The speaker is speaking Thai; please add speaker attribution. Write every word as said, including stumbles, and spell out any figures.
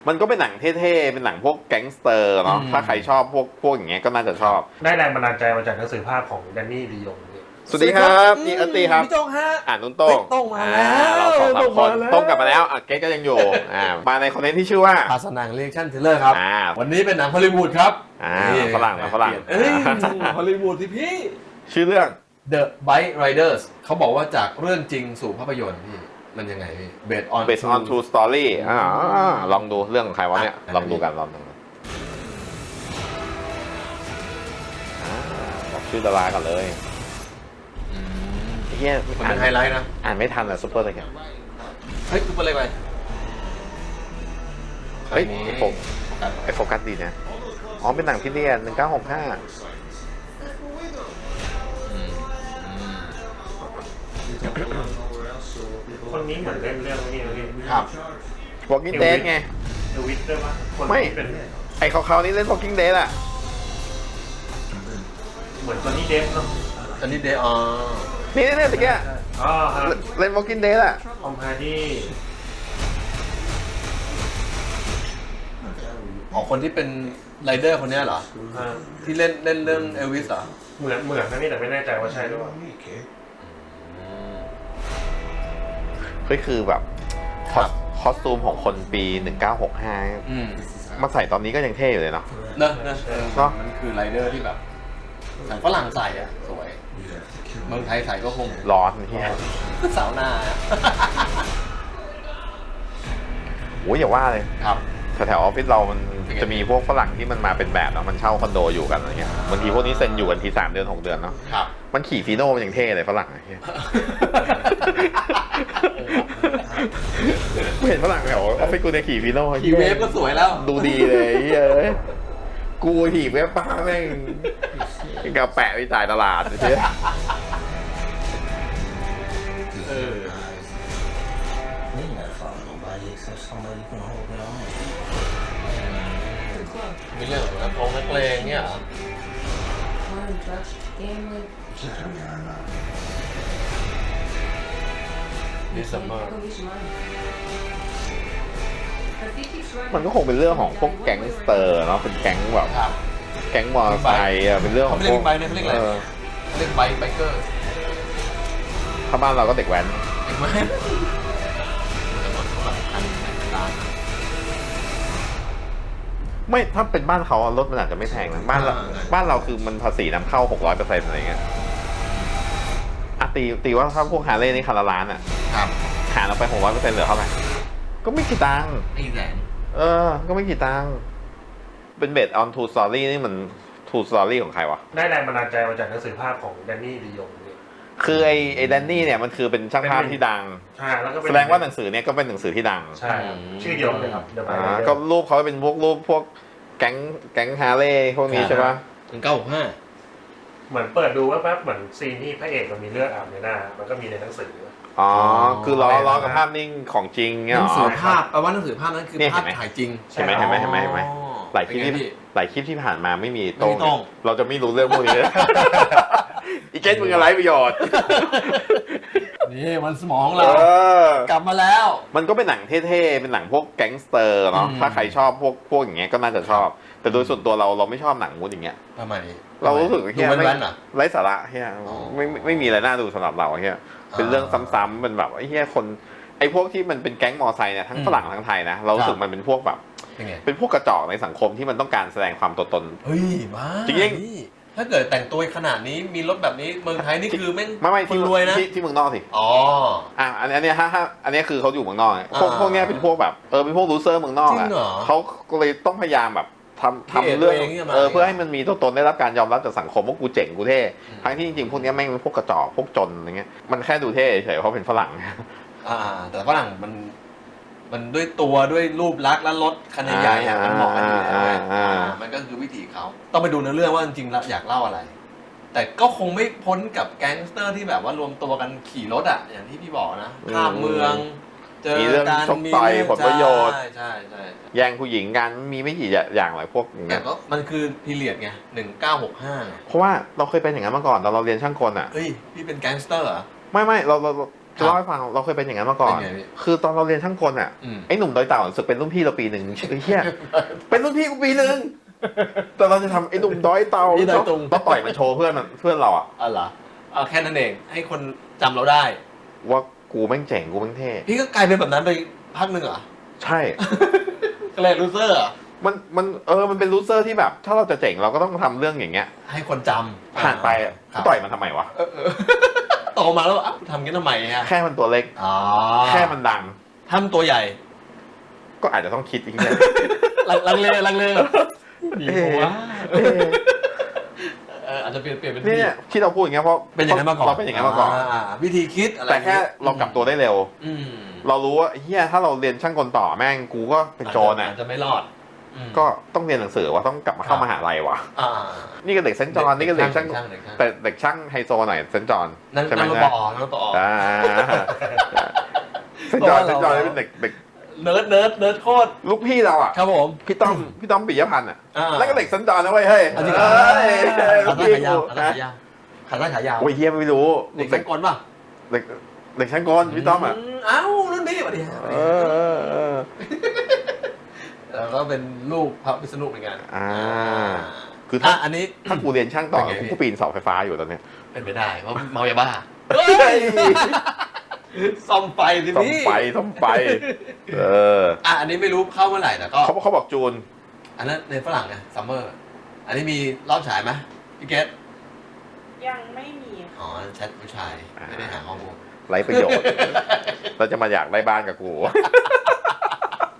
Speaker 1: มันก็เป็นหนังเท่ๆเป็นหนังพวกแก๊งสเตอร์เนาะถ้าใครชอบพวกพวกอย่างเงี้ยก็น่าจะชอบ
Speaker 2: ได้แรงบันดาลใจมาจากหนังสือภาพของแดนนี่ลียง
Speaker 1: สวัสดีครับนี่อัตตีครับ
Speaker 3: พี่โต้งฮะ
Speaker 1: อ่านนุ่นโต้ง
Speaker 3: โต้งมาแล้ว
Speaker 1: เราสองสามคนโต้งกลับมาแล้วอ่ะเก๊ก็ยังอยู่อ่ามาในคอนเทนต์ที่ชื่อว่า
Speaker 3: ภาษาหนังเรียกชั่นเทเลอร์ครับวันนี้เป็นหนังฮอลลีวูดครับ
Speaker 1: อ่าฝรั่งนะฝรั่ง
Speaker 3: เอ้ยฮอลลีวูดที่พี่
Speaker 1: ชื่อเรื่อง
Speaker 3: The Bike Riders เขาบอกว่าจากเรื่องจริงสู่ภาพยนตร์พี่มันยังไงพี่ Based on
Speaker 1: Based on True Story อ่าลองดูเรื่องของใครวะเนี่ยลองดูกันลองดูบอกชื่อดารากันเลยเฮีย
Speaker 3: มันเป็นไฮไลท์นะ
Speaker 1: อ่านไม่ทันอะซุปเปอร์เลยกัน
Speaker 3: เฮ้ยซุปเปอร์อะไรไป
Speaker 1: เฮ้ยไอโฟไอโฟกัสดีนะอ๋อเป็นหนังที่เรียนหนึ่งเก้าหกห้า
Speaker 2: คนนี้เหมือนเล่นเรื่องนี้เลย
Speaker 3: ครับ
Speaker 1: Walking Dead ไง
Speaker 2: เอวิสด้วยปะ
Speaker 1: ไม่ไอเขาเขานี่เล่น Walking Dead อะ
Speaker 2: เหมือนตอนนี้เดฟเนาะ
Speaker 3: ตอนนี้เดฟอ๋อ
Speaker 1: นี่นี่นี่ตะเกีย
Speaker 2: อ๋อครับ
Speaker 1: เล่น Walking Dead อะ
Speaker 2: ออมฮาร์ดี้
Speaker 3: อ๋อคนที่เป็นไรเดอร์คนนี้เหรอที่เล่นเล่นเรื่องเอลวิสเหรอ
Speaker 2: เหมือนเหมือนนะนี่แต่ไม่แน่ใจว่าใช่หรือเปล่า
Speaker 1: เฮ้ยคือแบบคอสตูมของคนปีหนึ่งเก้าหกห้ามาใส่ตอนนี้ก็ยังเท่อยู่เลยเนาะ
Speaker 3: เนอะเนอะเนาะมันคือไรเดอร์ที่แบบหนังฝรั่งใส่อะสวยเมืองไทยใส่ก็คง
Speaker 1: ร้อนที่
Speaker 3: สาวหน้า
Speaker 1: โอ้ยอย่าว่าเลย
Speaker 3: ครับ
Speaker 1: แถวออฟฟิศเรามันจะมีพวกฝรั่งที่มันมาเป็นแบบเนาะมันเช่าคอนโดอยู่กันอะไรเงี้ยบางทีพวกนี้เซ็นอยู่กันทีสามเดือนหกเดือนเนาะมันขี่ฟีโน่มันยังเท่เลยฝรั่งไอ้เหี้ยกูเห็นฝรั่งแถวออฟฟิศกูเนี่ยขี่ฟีโน่
Speaker 3: ขี่เวฟก็สวยแล้ว
Speaker 1: ดูดีเลยเฮ้ยกูขี่เวฟป้าแม่งกับแปะไปจ่ายตลาดเชี่ย
Speaker 3: มีเรื่องของนักร้องนักเลงเนี่ยเหรอดิสมา
Speaker 1: มันก็คงเป็นเรื่องของพวกแก๊งสเตอร์เนาะเป็นแก๊งแบบแก๊งมอเตอร์ไซค์อะเป็นเรื่องของพวก
Speaker 3: ไบค์เนี่ยเขาเรียกอะไรเรียกไบค์ไบเกอร์
Speaker 1: ถ้าบ้านเราก็เด็กแว้น
Speaker 3: เด็กแว้น
Speaker 1: ไม่ถ้าเป็นบ้านเขารถมันอาจจะไม่แพงนะบ้านเราบ้านเราคือมันภาษีนำเข้าหกร้อยเปอร์เซ็นต์อะไรเงี้ยอ่ะตีตีว่าถ้าพวกฮาร์เลย์นี่คันละล้านอ่ะ
Speaker 3: ครับ
Speaker 1: หารออกไปหกร้อยเปอร์เซ็นต์เหลือเท่าไหร่ก็ไม่กี่ตังค์
Speaker 3: ไม่แสน
Speaker 1: เออก็ไม่กี่ตังค์เป็นเบสออนทูสตอรี่นี่มันทูสตอรี่ของใครวะ
Speaker 2: ได้แรงบันดาลใจมาจากหนังสือภาพของแดนนี่ลียง
Speaker 1: คือไอไอแดนนี่เนี่ยมันคือเป็นช่างภาพที่ดัง
Speaker 2: ใช่แล้วก็
Speaker 1: แสดงว่าหนังสือเนี่ยก็เป็นหนังสือที่ดัง
Speaker 2: ใช่ชื่อเดียวเลยครับ
Speaker 1: อ่าก็รูปเขาเป็นพวกรูปพวกแก๊งแก๊งฮาร์เลย์พวกนี้ใช่ปะ
Speaker 3: ถึงเก้าหกห้า
Speaker 2: เหมือนเปิดดูว่าแป๊บเหมือนซีนที่พระเอกมันมีเลือดอาบในหน้ามันก็มีในหนังสือ
Speaker 1: อ๋อคือล้อล้อกับภาพนิ่งของจริงเนี่ย
Speaker 3: หนังสือภาพแปลว่าหนังสือภาพนั้นคือภาพถ่ายจริง
Speaker 1: ใช่ไหมเห็นไหมเห็นไหมเห็นไหมหลายคลิปที่หลายคลิปที่ผ่านมาไม่มีตรงเราจะไม่รู้เรื่องพวกนี้อีเกนมึงอะไรประโยชน์
Speaker 3: นี่มันสมองเรากลับมาแล้ว
Speaker 1: มันก็เป็นหนังเท่ๆเป็นหนังพวกแก๊งสเตอร์เนาะถ้าใครชอบพวกพวกอย่างเงี้ยก็น่าจะชอบแต่โดยส่วนตัวเราเราไม่ชอบหนังมูดอย่างเงี้ย
Speaker 3: ทำไม
Speaker 1: เรารู้สึกว่าเฮียไม่ไร้สาระเฮียไม่ไม่มีอะไรน่าดูสำหรับเราเฮียเป็นเรื่องซ้ำๆเป็นแบบไอ้เฮียคนไอ้พวกที่มันเป็นแก๊งมอไซค์เนี่ยทั้งฝรั่งทั้งไทยนะเรารู้สึกมันเป็นพวกแบบเป็นพวกกระจอกในสังคมที่มันต้องการแสดงความตัวตน
Speaker 3: เฮ้ยบ้า
Speaker 1: จริง
Speaker 3: ถ้าเกิดแต่งตัวขนาดนี้มีรถแบบนี้เมืองไทยนี่คือแม่ง
Speaker 1: ไม่ไม่ที่
Speaker 3: รวยนะ
Speaker 1: ที่เมืองนอกสิ
Speaker 3: อ๋อ
Speaker 1: อ่ะอันนี้อันนี้ฮะฮะอันนี้คือเขาอยู่เมืองนอกพวกพวกนี้เป็นพวกแบบเออเป็นพวกลูเซอร์เมืองนอกอ่ะเขาก็เลยต้องพยายามแบบทำทำเรื่องเออเพื่อให้มันมีตัวตนได้รับการยอมรับจากสังคมว่ากูเจ๋งกูเท่ทั้งที่จริงๆพวกนี้แม่งเป็นพวกกระจอกพวกจนอะไรเงี้ยมันแค่ดูเท่เฉยเพราะเป็นฝรั่ง
Speaker 3: อ่าแต่ฝรั่งมันมันด้วยตัวด้วยรูปลักษณ์และรถคันใหญ่ๆมันเหมาะกันอยู่แล้วมันก็คือวิถีเขาต้องไปดูในเรื่องว่าจริงๆอยากเล่าอะไรแต่ก็คงไม่พ้นกับแก๊งสเตอร์ที่แบบว่ารวมตัวกันขี่รถอ่ะอย่างที่พี่บอกนะข้ามเมือง
Speaker 1: เจอการมีเรื่องผลประโยชน์
Speaker 3: ใช่ใช่ใช่
Speaker 1: แย่งผู้หญิงกันมีไม่กี่อย่างหลายพวก
Speaker 3: อย่างเงี้ยก็มันคือพีเรียดไงหนึ่งเก้าหกห้าเพ
Speaker 1: ราะว่าเราเคยเป็นอย่างนั้นมาก่อนตอนเราเรียนช่างกลอ่ะ
Speaker 3: เฮ้ยพี่เป็นแก๊งสเตอร์เหรอ
Speaker 1: ไม่ไม่เราเราจะเล่าให้ฟังเราเคยเป็นอย่างนั้นมาก่อนคือตอนเราเรียนช่างกลอ่ะไอ้หนุ่มดอยเต่ารู้สึกเป็นรุ่นพี่เราปีหนึ่งเฮียเป็นรุ่นพี่กูปีหนึ่งแต่เราจะทำไอ้หนุ่มดอยเต่าเราต่อยมันโชว์เพื่อนมันเพื่อนเราอ่ะ
Speaker 3: อ๋อเหรอเอาแค่นั้นเองให้คนจำเราได้
Speaker 1: ว่ากูแม่งเจ๋งกูแม่งเท่
Speaker 3: พี่ก็กลายเป็นแบบนั้นไปพักหนึ่งเหรอ
Speaker 1: ใช่
Speaker 3: ก็เลยลูเซอร์อ่ะ
Speaker 1: มันมันเออมันเป็นลูเซอร์ที่แบบถ้าเราจะเจ๋งเราก็ต้องทำเรื่องอย่างเงี้ย
Speaker 3: ให้คนจำ
Speaker 1: ผ่านไปต่อยมันทำไมวะ
Speaker 3: โตมาแล้วทำงี้ทำไมฮะ
Speaker 1: แค่มันตัวเล็กแค่มันดัง
Speaker 3: ทำตัวใหญ่
Speaker 1: ก็อาจจะต้องคิดอีกเนี่ย
Speaker 3: ลังเลลังเลดีว่าอาจจะเปลี่ยนเปลี่ยนเป็น
Speaker 1: นี่เนี่ยที่เราพูดอย่างเงี้ยเพราะ
Speaker 3: เป็นอย่างนั้นมาก่อน
Speaker 1: เราเป็นอย่างนั้นมาก่อน
Speaker 3: วิธีคิดอะไร
Speaker 1: แต่แค่เรากลับตัวได้เร็วเรารู้ว่าเฮียถ้าเราเรียนช่างกลต่อแม่งกูก็เป็นโจรอ่ะ
Speaker 3: อาจจะไม่รอด
Speaker 1: ก็ต้องเรียนหนังสือว่าต้องกลับมาเข้ามหาลัยวะนี่ก็เด็กเซนต์จอห์นนี่ก็เด็กช่างแต่เด็กช่างไฮโซหน่อยเซนต์จอห์น
Speaker 3: ใช่ไหมนั่นปอนั่นปอ
Speaker 1: เซนต์จอห์นเซนต์จอห์นเป็นเด็กเด็ก
Speaker 3: เนิร์ดเนิร์ดเนิร์ดโคตร
Speaker 1: ลูกพี่เราอ่ะ
Speaker 3: ครับผม
Speaker 1: พี่ต้อมพี่ต้อมปิยพันธ์อ่ะแล้วก็เด็กเซนต์จอห์นนะเว้ยเฮ้ย
Speaker 3: จริงเหรอขาสั้นขายาวขาสั้นขายาวขาสั้นขายาว
Speaker 1: โอ้ยเฮียไม่รู้
Speaker 3: เด็กช่างกลป่ะ
Speaker 1: เด็กเด็กช่างกลพี่ต้อมอ่ะ
Speaker 3: อ้าวรุ่นพี่สวัสดีแล้วก็เป็นลูกพระวิษณุเหมือนกัน
Speaker 1: อ่าคือถ้า
Speaker 3: อันนี้
Speaker 1: ถ้ากูเรียนช่างต่อกูปีนเสาไฟฟ้าอยู่ตอนเนี้ย
Speaker 3: เป็นไปได้เพราะเมายาบ้าซ่อมไฟที
Speaker 1: นี้ซ่อมไฟซ่อมไฟเออ
Speaker 3: อ่ะอันนี้ไม่รู้เข้าเมื่อไหร่แต่ก็
Speaker 1: เขาเขาบอกจูน
Speaker 3: อันนั้นในฝรั่งไงซัมเมอร์อันนี้มีรอบฉายไหมพี่เกต
Speaker 4: ยังไม่มี
Speaker 3: อ๋อแชทผู้ชายไม่ได้หาข้อมูล
Speaker 1: ไร้ประโยชน์เราจะมาอยากได้บ้านกับกู